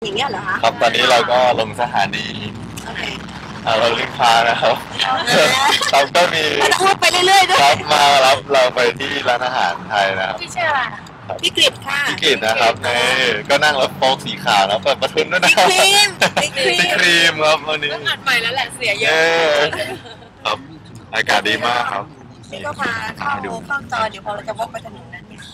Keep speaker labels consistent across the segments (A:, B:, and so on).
A: อย่างเงี้ยเหรอคะ
B: ครับตอนนี้เราก็ลงสถานี
A: โอเค
B: เราลิงพานะครับเราก็มี
A: เราต้องไปเรื่อยๆด้วย
B: ครับมารับเราไปที่ร้านอาหารไทยนะครับ
C: พี่ชื่ออะไร
A: พี่กฤษค่ะ
B: พี่กิตนะครับในก็นั่งรถโฟล์กสีขาวแล้วเปิดประทุนด้วยนะ
A: พี่ครีม
B: พี่ครีมครับวันนี้
C: ต้องอัดใหม่แล้วแหละเสียเย
B: เย้
C: อะ
B: ครับอากาศดีมากครับ
A: นี่ก็พาเข้าจอเดี๋ยวพอเราจะวกไปถนนนั้นเนี่ย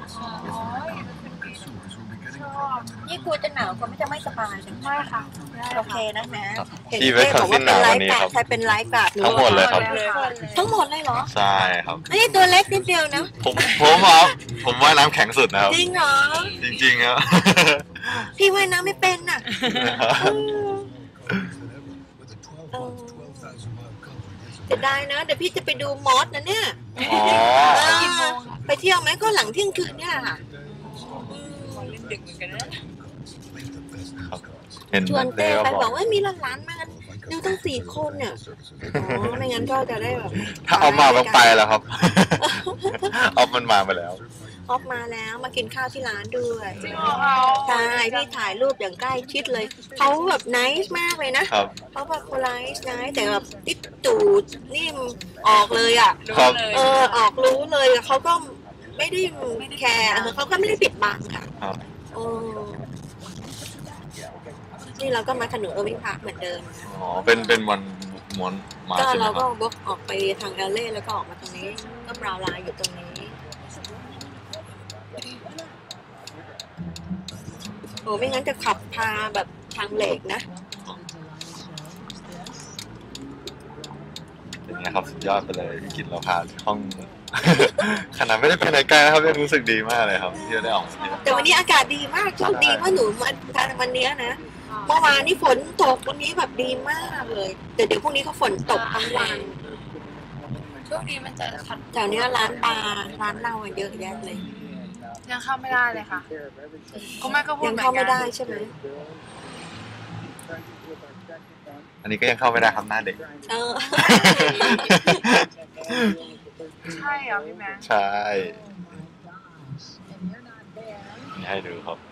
A: นี่กลัวจะหนาวกลัวไม่จะไม่สบายใช่ไหม
C: ไม่ค่ะ
A: โอเคนะแม่เห็น
B: ที่
A: เจ๊
B: เวสคอน
A: บอก
B: ซิ
A: ว่าน
B: ห
A: เป็น
B: นาว
A: ไล
B: วัน
A: ฟ์
B: นี้
A: การ์ด
B: ครับ
A: ใครเป็นไลฟ์การ์ด
B: ทั้งหมดเลยครับ
A: ทั้งหมดเลยเหรอ
B: ใช่ครับ
A: นี่ตัวเล็กนิดเดียวนะ
B: ผมว่ายน้ำแข็งสุดนะครับ
A: จริงเหรอ
B: จริงๆครับ
A: พี่ว่ายน้ำไม่เป็นน่ะจะได้นะเดี๋ยวพี่จะไปดูมอสนะเนี่ย
B: อ๋อ
A: ไปเที่ยวไหมก็หลังเที่ยงคืนเนี่ยค่ะ
C: เล่นดึกเหมือนกันนะ
B: เห็น
A: ชวนเต้ไป
B: บบ อ
A: อก กว่ามีหลานๆมากันดูตั้ง4 คนเนี่ยอ๋อไม่งั้นก็จะได้แบบ
B: ถ้าเอามาต้องไปแล้วครับ เอามันมาไปแล้ว
A: ออฟมาแล้วมากินข้าวที่ร้านด้วย
C: จริงเหรอเขา
A: ใช่พี่ถ่ายรูปอย่างใกล้ชิดเลยเขาแบบไนส์มากเลยนะครับ เขาแบบโพลาร์ไนส์แต่แบบติดตูดนี่ออกเลยอ่ะ
B: ครับ
A: ออกรู้เลยเขาก็ไม่ได้แคร์เขาก็ไม่ได้ปิดบังค่ะ
B: ครับ
A: โอ้นี่เราก็มาถนนเออร์วิงพาร์คเหมือนเดิม
B: อ๋อเป็นวันม้วนมา
A: ก็
B: ใช่ไหม
A: เรา
B: ค
A: ก็
B: รับ
A: วกออกไปทางเอลเล่แล้วก็ออกมาตรงนี้ ก็บราวน์ไลน์อยู่ตรงนี้โอ้ไม่งั้นจะขับพาแบบทางเหล็กนะ
B: เป็นไงครับสุดยอดไปเลยพี่กินเราพาห้อง ขนาดไม่ได้ไปไหนไกลนะครับยังรู้สึกดีมากเลยครับที่ได้ออกมาเที่ยว
A: แต่วันนี้อากาศดีมากโชคดีว่าหนูมาทานวันนี้นะเมื่อวานนี่ฝนตกวันนี้แบบดีมากเลยแต่เดี๋ยวพรุ่งนี้ก็ฝนตกทั้งวัน
C: ช่วงนี้มันจะขัด
A: แถวเนี้ยร้านปลาร้านเหล้าอะเยอะแยะเลย
C: ยังเข้าไม่ได้เลยค่ะก็แม่ก็พูด
A: ยัง
C: เหมือน
A: เข้า
C: กั
A: ไม่
C: น
A: ได้ใช่ไหม
B: อันนี้ก็ยังเข้าไม่ได้ครับหน้าเด็ก
A: เออ
C: ใช่เหรอพี่แม่
B: ใช่ให้ดูครับ